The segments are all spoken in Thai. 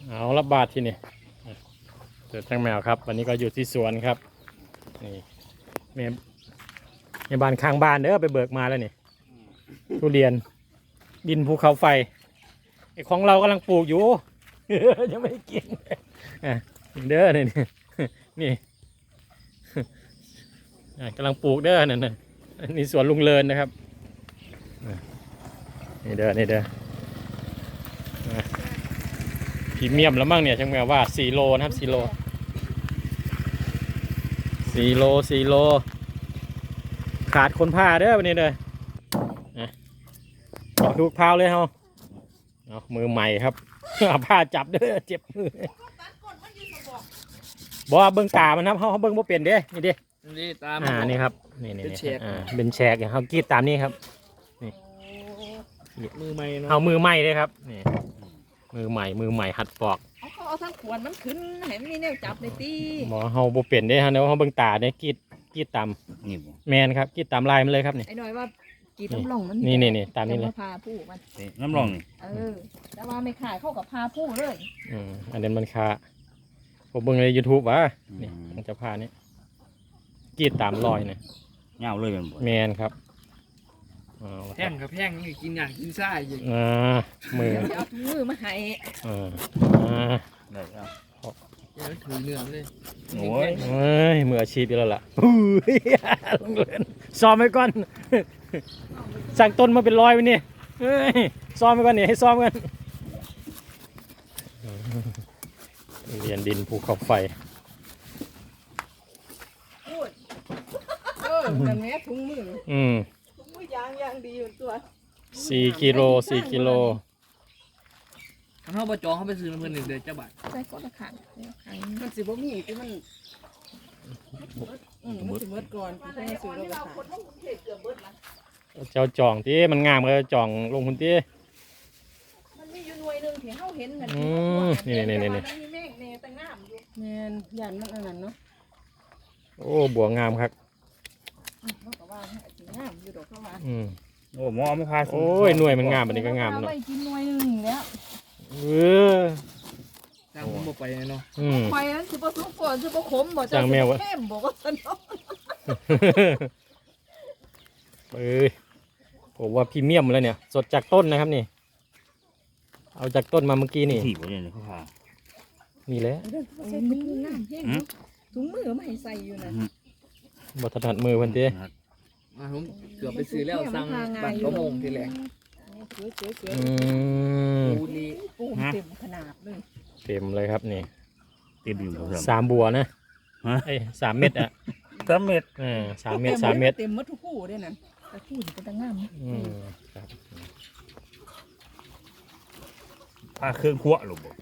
เอาละบาทที่นี่เจอทั้งแมวครับวันนี้ก็อยู่ที่สวนครับนี่ในบ้านข้างบ้านเด้อไปเบิกมาแล้วนี่ทุเรียนดินภูเขาไฟไอของเรากำลังปลูกอยู่ ยังไม่ได้กินเด้อนี่นี่กำลังปลูกเด้อนั่นนี่สวนลุงเลินนะครับนี่เด้อพรีเมียมแล้วมั่งเนี่ยช่างแมวว่า4 โลนะครับ4 โลขาดคนพาเด้อวันนี้เลยขอทุกพาวเลยเฮาเอามือใหม่ครับเอาผ้าจับเด้อเจ็บมือบอกว่าเบิ้งตามันครับเขาเบิ้งบ่เปลี่ยนเด้นี่เด้นี่ตามนี่ครับนี่เป็นแฉกเขากรีดตามนี้ครับนี่มือใหม่เนาะเอามือใหม่เลยครับนี่มือใหม่หัดปอกเอาทั้งขวดมันขึ้นให้มันมีแนวจับในตีหมอเขาบ่เปลี่ยนเด้ฮะเดี๋ยวเขาเบิ้งตาเนี่ยกรีดตามแมนครับกรีดตามลายมันเลยครับนี่ไอ้หน่อยว่ากีดน้ำลงมันนี่ตามนี้เลยพาผู้มันน้ำลงนี่แต่ว่าไม่ขายเข้ากับพาผู้เลยอันนี้มันคาผมเบิ่งใน YouTube วะนี่มันจะพานี่กรีดตามรอยเนี่ยเงาเลยแมนครับแห้งกับแห้งนี่กินอย่างกินซ่าอย่างมือเอามือมาให้ได้ครับเดี๋ยวถือเนื้อเลยโอ้ยมืออาชีพอยู่แล้วล่ะซ้อมไว้ก่อนสั่งต้นมาเป็นร้อยวันนี้ซ้อมไว้ก่อนนี่ให้ซ้อมกันเรียนดินภูเขาไฟแบบนี้ถุงมือยางดีอยู่ตัว 4 กิโลเขาประจองเขาไปซื้อเพื่อนเดือนเจ้าบาทใส่ก้อนขังมันสิบ่มีที่มันสิเบิดก่อนที่ให้ซื้อเราเจ้าจองที่มันงามก็จองลงทุนที่มันมีอยู่หน่วยนึงที่เฮาเห็นกันนี่มีแม่งแน่แต่งามอยู่แม่นยันมันอันนั้นเนาะโอ้บัวงามครับงามอยู่ดอกเข้ามาโอ้หมอไม่พาโอ้ยหน่วยมันงามอันนี้ก็งามเนาะไม่กินหน่วยนึงแล้วจ้างผมบอกไปเนาะไปนั้นสิบ่สุกก่อนสิบ่ขมบ่จะเข้มบ่ก็สนุกผมว่าพรีเมียมเลยเนี่ยสดจากต้นนะครับนี่เอาจากต้นมาเมื่อกี้นี่ถีบเลยเขาพานี่แหละถุงมือไม่ให้ใส่อยู่นะบถนัดมือพันเต้ผมเกือบไปซื้อแล้วสั่งบัตรกระมงทีแรกปูเต็มขนาดเลยเต็มเลยครับนี่เต็มอยู่ 3 บัวนะ3 เม็ดอ่ะ 3 เม็ด 3 เม็ด3 เม็ดเต็มหมดทุกคู่ด้วยนั่นแต่คู่จะเป็นงามครับพาเครื่องคั่วหรือเปล่า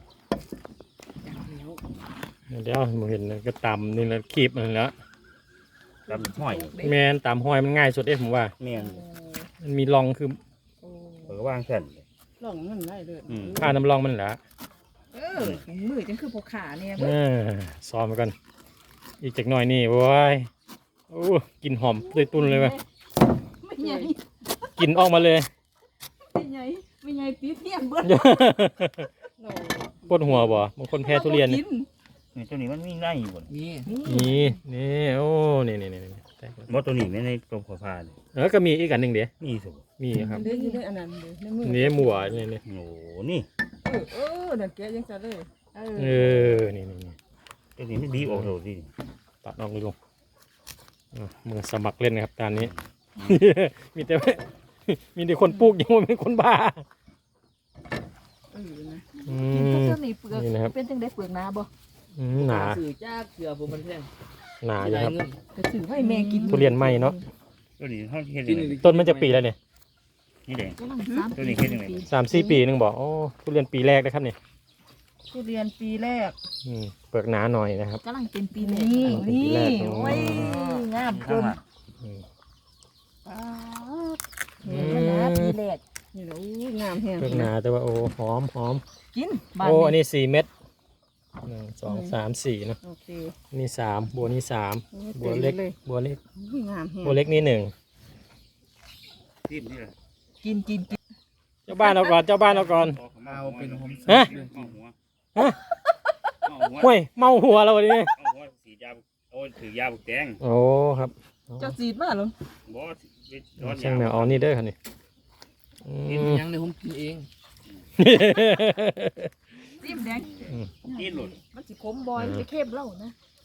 เดี๋ยวผมเห็นก็ตำนี่แล้วคีบมันแล้วตำห้อยแมนตำห้อยมันง่ายสุดเองผมว่าแมนมันมีรองคือว่างแค่นรองมันได้เลยผ้าน้ำรองมันแหละมือจังคือพกขาเนี่ยซ้อมไปกันอีกจากหน่อยนี่โว้ยโอ้กินหอมเลยตุนเลยว่ะไม่ใหญ่กินออกมาเลยไม่ใหญ่ปีเทียมเบิ้ลปวดหัวบ่บางคนแพ้ทุเรียนนี่ตัวนี้มันมีได้อยู่บ่นี่โอ้นี่มดตัวนี้ไม่ในตัวขอพาเลยก็มีอีกอันหนึ่งเดี๋ยวมีครับนี่หมัวนี่โอ้นี่เด็กแกยังจะเลยนี่ตัวนี้ไม่ดีออกเลยสิตัดออกเลยลุงมือสมัครเล่นนะครับตอนนี้มีแต่คนปลูกยังไม่เป็นคนบ้านี่เปลือกเป็นจังได้เปลือกหนาบ่หนาสื่อจ้าเสือผมมันแพงหนาอยู่ครับจะสื่อให้แม่กินทุเรียนไหมเนาะตัวนี้เขาเห็นต้นมันจะปีแล้วเนี่ยนี่แดงตัวนี้เห็นยังไง 3-4 ปีนึงบอกโอ้ทุเรียนปีแรกนะครับเนี่ยทุเรียนปีแรกเปลือกหนาหน่อยนะครับกำลังเป็นปีนี้โอ้ยงามเกินปีแรกนี่โอ้งามแห้งเปลือกหนาแต่ว่าโอ้หอมกินโอ้อันนี้4 เม็ด1 2 3 4เนาะนี่3บัวนี่3บัวเล็กบัวเล็กนี่1 กินเจ้าบ้านเอาก่อนเอาเป็นหอมฮะห้วยเมาหัวเราดิเอาหัวสียาโอ้ถือยาบุกแดงโอ้ครับเจ้าสีดมาเหรอบ่ร้อนช่างแมวเอานี่เด้อครับนี่อืกินมยังเดี๋ยวผมกินเองจิ้มแดงกินหลุดมันสิขมบอยมันจะเข้มเล่านะ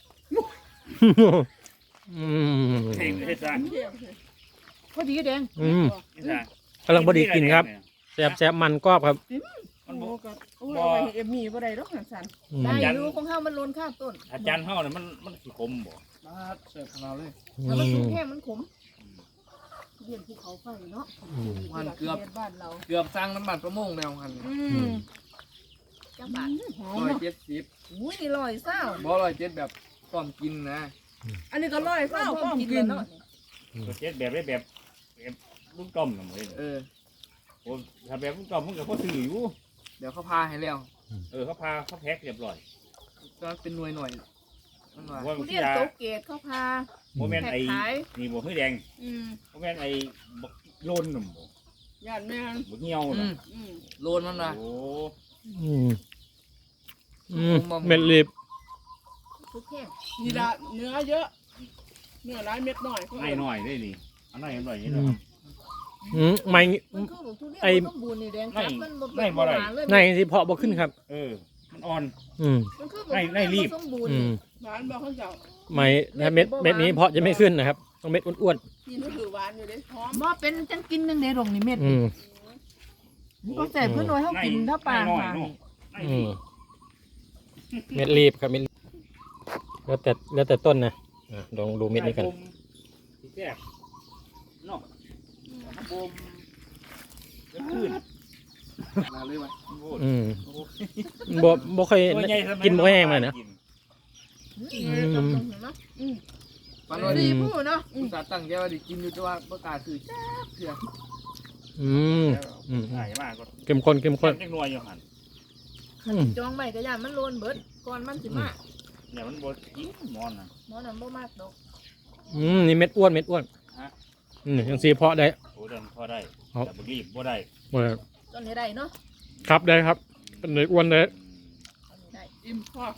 อืมเท่งเฮ็ดซะพอดีแดงอืมเฮ็ดซะกำลังพอดีกินครับแซ่บมันกรอบครับมันโอ้บ่ก็โอ้ยเอาไว้ให้เอ็มมี่บ่ได้ดอกสันอืมได้อยู่ของเฮามันล้นข้ามต้นอาจารย์เฮาน่ะมันสิคมบ่มาเสิร์ฟของเราเลยถ้ามันสุกแห้งมันขมเรียนภูเขาไฟเนาะมันเกือบบ้านเราเกือบสร้างน้ำมันประมงแล้วหันจังบาทหอมร้อยเนาะ 70 อุ้ยนี่ร้อยเศร้าบ่107แบบต้อมกินนะอันนี้ก็ร้อยเศร้าพร้อมกินเนาะก็เฮ็ดแบบได้แบบลูกต้มน่ะมื้อเออโอ้ถ้าแบบลูกต้มมันก็พอซื้ออยู่เดี๋ยวเขาพาให้แล้วเขาพาเขาแพ็คเรียบร้อยก็เป็นหน่วยหน่อยมันว่าว่าทุมันเรีสิยนยาโตเกตเขาพาบ่แม่นแพ็คไอ้ขายนี่บ่คือแดงอืมบ่แม่นไอ้บักโลนน่ะบ่ญาติแม่นบักเหี่ยวอืน่ะมอืมโลนมันว่ะโอ้อืมเม็ดรีบทุกแห้งนี่ละเนื้อเยอะ เนื้อร้ายเม็ดหน่อยให้หน่อยได้นี่อันไหนหน่อยนี่อืเนาะมไม่มันคือบอกทุเรียนไอ้มันสมบูรณ์นี่แดงจับมันบ่ไม่บ่ได้หวานเลยในที่เพาะบ่ขึ้นครับมันอ่อนอืมมันคือบอกไล่รีบทุเยนบ่สมบูรณ์อืนี่มหวานบอกเขาเจ้าไม่ถ้าเม็ดนี้เพาะจะไม่ขึ้นนะครับ ต้องเม็ดอ้วนนี่ก็ถือหวานอยู่เลยหอมบ่เป็นจังกินจังได๋ดอกนี่เม็ดๆอืมนี่ก็แต่เพิ่นน้อยเฮากินถ้าปลาหน่อยหาเนาะอืมเม็ดรีบครับเม็ดรีบแล้วแต่ต้นนะลองดูเม็ดนี้กันแซ่บเนาะบ่มจะขึ้นมาเลยว่ะอืมบ่ค่อยกินบ่แห้งเลยนะปานว่าดีดีพูดเนาะอุตส่าห์ตั้งใจว่าดิกินอยู่แต่ว่าบ่กล้าซื้อจ้าเถื่ออืมอืมใช่มากก็เข้มข้นเข้มข้นจังหน่วยอยู่หั่นอืมจองไว้ก็ย่านมันโลนเบิดก่อนมันสิมาเนี่ยมันบ่กินมอนน่ะหมอนั่นบ่มากดอกนี่เม็ดอ้วนยังสีเพาะได้โอ้ดันพอได้ครับแต่บ่รีบบ่ได้บ่ได้ต้นนี้ได้เนาะครับได้ครับเป็นเม็ดอ้วนได้ต้นนี้ได้อิ่มพอ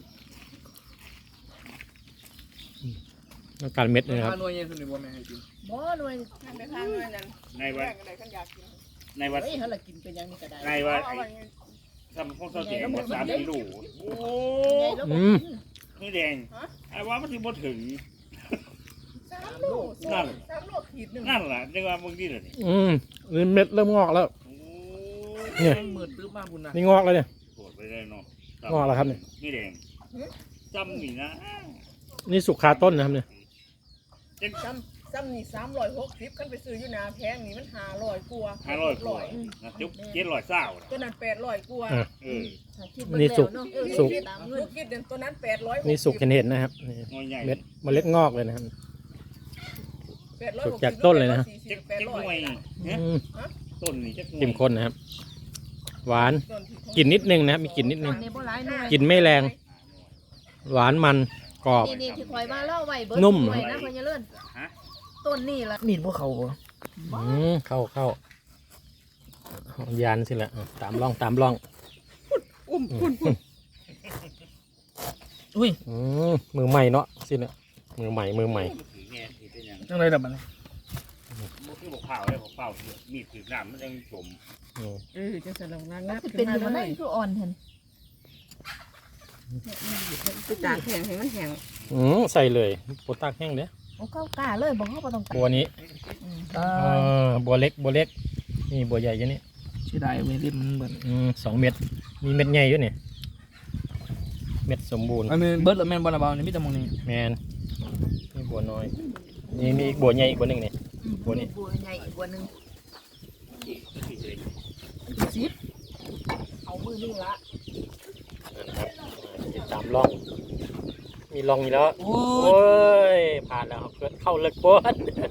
ต้องการเม็ดเลยครับถ้าหน่วยใหญ่สุดนี่บ่แม่นให้กินบ่หน่วยทานไปทานด้วยนั่นในวัแรดกอะไรกันอยากกินในวัดเฮ้ยเฮาละกินเป็นอย่างนี้ก็ได้ในวัดเอาไว้ทำของเสาเตียงหมด3 กิโลโอ้ไงแล้วบ่กินนี่แดงไอ้ว่ามันสิบ่ถึง 3 โลนั่น 3 โลขีดหนึ่งนั่นล่ะจังว่ามึงนี่ล่ะนี่นี่เม็ดเริ่มงอกแล้วโอ้เนี่ยมันมืดตึ๊บมากพุ่นน่ะนี่งอกแล้วเนี่ยโกรธไปได้เนาะงอกแล้วครับเนี่ยนี่แดงจำนี่นะนี่สุกคาต้นนะครับเนี่ยซ้ำนี่360คันไปซื้ออยู่นาแพงนี่มัน500กว่า 500กว่านะจุ๊บ700เศร้าน่ะตัวนั้น800กว่าเออถ้าคิดนี่สุกเนาะสุกตามเงินลูกคิดเดือนตัวนั้น800 นี่สุกเห็นนะครับนี่งอยใหญ่เม็ดงอกเลยนะครับ 800 สุกจากต้นเลยนะเจ็บหน่วยเนี่ยอืมต้นนี่จักหน่วยเข้มข้นนะครับ หวานกลิ่นนิดนึงนะครับมีกลิ่นนิดนึงนี่บ่หลายหน่วยกลิ่นไม่แรง หวานมันกรอบนี่ที่คอยว่าเล่าไว้เบิดนุ่มหวยนะพ่อใหญ่เลิศฮะต้นนี่ล่ะมีดบ่เข้าบ่เข้าเอายานสิละตามร่องอุ้มคุณอุ้ยมือใหม่เนาะสิเนี่ยมือใหม่ถือแง่ถือเป็นหยังจังไดดับมันบ่คือบอกเผาเลยบอกเผามีดถือน้ำมันยังจมจังสลังงัมันบสิเป็นอยู่บ่ได้คืออ่อนเห็นไปตากแห้งให้มันแห้งใส่เลยโปตากแห้งเด้อโอ้เข้ากล้าเลยบ่เฮาบ่ต้องตัดบัวนี้ บัวเล็กนี่บัวใหญ่อยู่นี่เสียดายเวลิมันเบิด 2 เม็ดมีเม็ดใหญ่อยู่นี่เม็ดสมบูรณ์มันเบิดแล้วแม่นบ่ละเบานี่มีแต่หมองนี้แมนนี่บัวน้อยนี่มีอีกบัวใหญ่อีกบัวหนึ่งนี่ บัวนี้บัวใหญ่อีกบัวหนึงเอามือนึงละนะครับติดตามร่อง มีร่องอยู่แล้วโอ้โอ้ยผ่านแล้วครับเข้าเลิกบน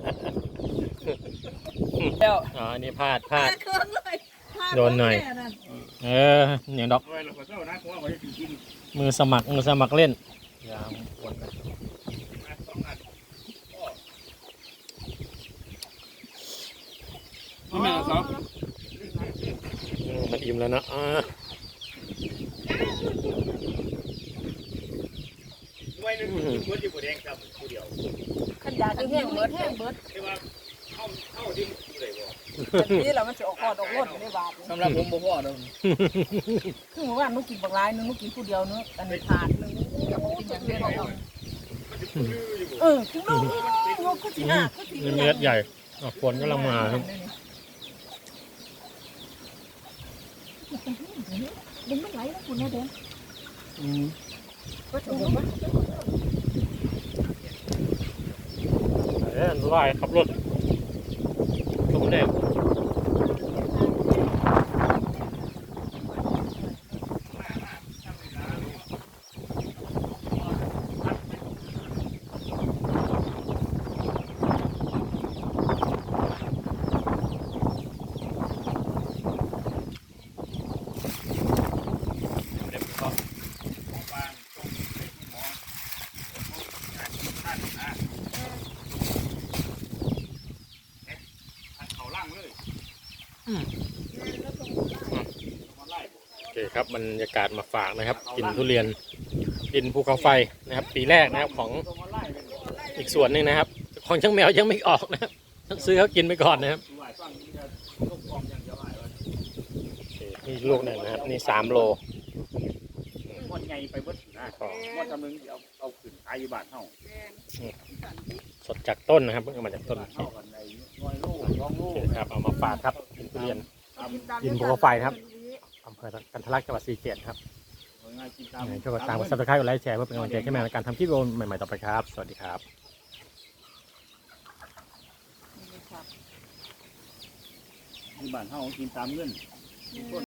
แล้วอ๋อนี่พลาดโดนหน่อยอย่างดอกไว้เราก็เจ้านะเพราะว่าเขาจะกินมือสมัครเล่นยามวนกัน 2 อันนี่แม่ครับมันอิ่มแล้วนะเบิดอยู่บ่แดงครับผู้เดียวขันยาคือแห้งเบิดแห้งเบิดแต่ว่าเข้าที่มันอยู่ได้บ่แบบนี้แล้วมันจะออกคอดออกรถได้บาทสำหรับผมบ่พอดอกคือเมื่อวานนุกินบักลายนึงนุกินผู้เดียวนึงอันนี้ถาดนึงกับกินอย่างเดียวมันจะพื้นอยู่บ่คือลูกลูกก็สิห้าก็สิเม็ดใหญ่ฝนกำลังมาครับดึงมันไหลแล้วคุณนะเด้อก็จะบอกว่าลอยขับรถทุกคนเองเขาล่างเลยโอเคครับบรรยากาศมาฝากนะครับ กินทุเรียนกินภูเขาไฟนะครับ ปีแรกนะครับของอีกส่วนหนึ่งนะครับ ของช่างแมวยังไม่ออกนะครับต้องซื้อเขากินไปก่อนนะครับนี่ลูกหนึ่งนะครับนี่3 โลหมดไงไปเบิดนะหมดจำนึงเอาขึ้นขายอยู่บ้านเฮาสดจากต้นนะครับเพิ่งเอามาจากต้นเท่ากันใน100 โล2 โลโอเคครับเอามาฝากครับกินทุเรียนกินภูเขาไฟครับอำเภอกันทะลักจังหวัดศรีสะเกษครับง่ายกินตามยังไงช่วยกดตามกดซับสไครต์กดไลค์แชร์เพื่อเป็นกำลังใจให้แมวในการทำคลิปวิดีโอใหม่ๆต่อไปครับสวัสดีครับที่บ้านเฮากินตามเงิน